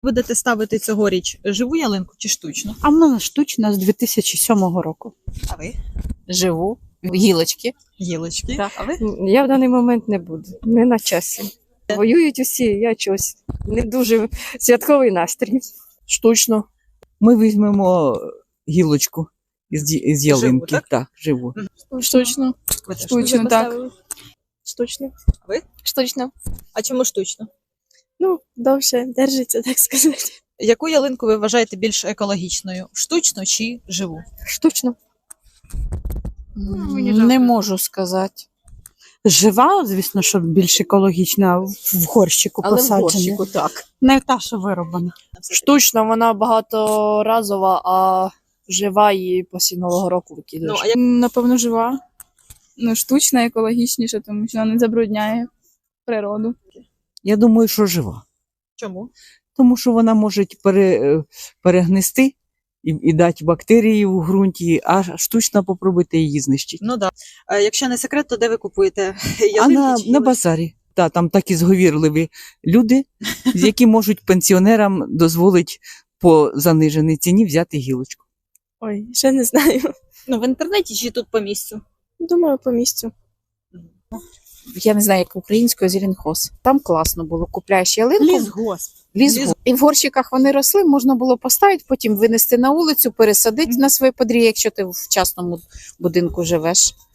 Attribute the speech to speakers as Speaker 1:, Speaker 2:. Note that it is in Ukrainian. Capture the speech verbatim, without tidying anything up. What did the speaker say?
Speaker 1: Будете ставити цьогоріч живу ялинку чи штучну?
Speaker 2: А в мене штучна з дві тисячі сьомого року.
Speaker 1: А ви?
Speaker 3: Живу, гілочки.
Speaker 1: Гілочки.
Speaker 3: Так.
Speaker 1: А ви?
Speaker 4: Я в даний момент не буду, не на часі. Воюють усі, я чогось. Не дуже святковий настрій.
Speaker 5: Штучно. Ми візьмемо гілочку із, із ялинки.
Speaker 1: так?
Speaker 5: Так, живу.
Speaker 6: Штучно.
Speaker 1: Ви теж.
Speaker 6: Штучно, так. Штучно.
Speaker 1: А ви?
Speaker 6: Штучно.
Speaker 1: А чому штучно?
Speaker 6: Ну, довше держиться, так сказати.
Speaker 1: Яку ялинку ви вважаєте більш екологічною? Штучну чи живу?
Speaker 4: Штучно.
Speaker 3: Не можу сказати.
Speaker 2: Жива, звісно, що більш екологічна, в горщику
Speaker 3: Але в
Speaker 2: посаджена.
Speaker 3: горщику так.
Speaker 2: Не та, що вироблена.
Speaker 4: Штучно, вона багаторазова, а жива її після Нового року викидаєш.
Speaker 1: Ну, а як
Speaker 6: Напевно, жива. Ну, штучна, екологічніша, тому що вона не забрудняє природу.
Speaker 5: Я думаю, що жива.
Speaker 1: чому?
Speaker 5: Тому що вона може пере, перегнисти і, і дати бактерії в ґрунті, а штучно попробуйте її знищити.
Speaker 1: Ну так. Да. Якщо не секрет, то де ви купуєте
Speaker 5: А
Speaker 1: ялинки?
Speaker 5: на,
Speaker 1: чи
Speaker 5: на
Speaker 1: ялинки?
Speaker 5: базарі. Та, там такі зговірливі люди, які можуть пенсіонерам дозволити по заниженій ціні взяти гілочку.
Speaker 6: Ой, ще не знаю.
Speaker 1: Ну, в інтернеті чи тут по місцю?
Speaker 6: Думаю, по місцю.
Speaker 3: Я не знаю, як українською зеленхоз. Там класно було. Купляєш ялинку,
Speaker 2: Лісгосп.
Speaker 3: лісгосп. І в горщиках вони росли, можна було поставити, потім винести на вулицю, пересадити на своє подрі, якщо ти в частному будинку живеш.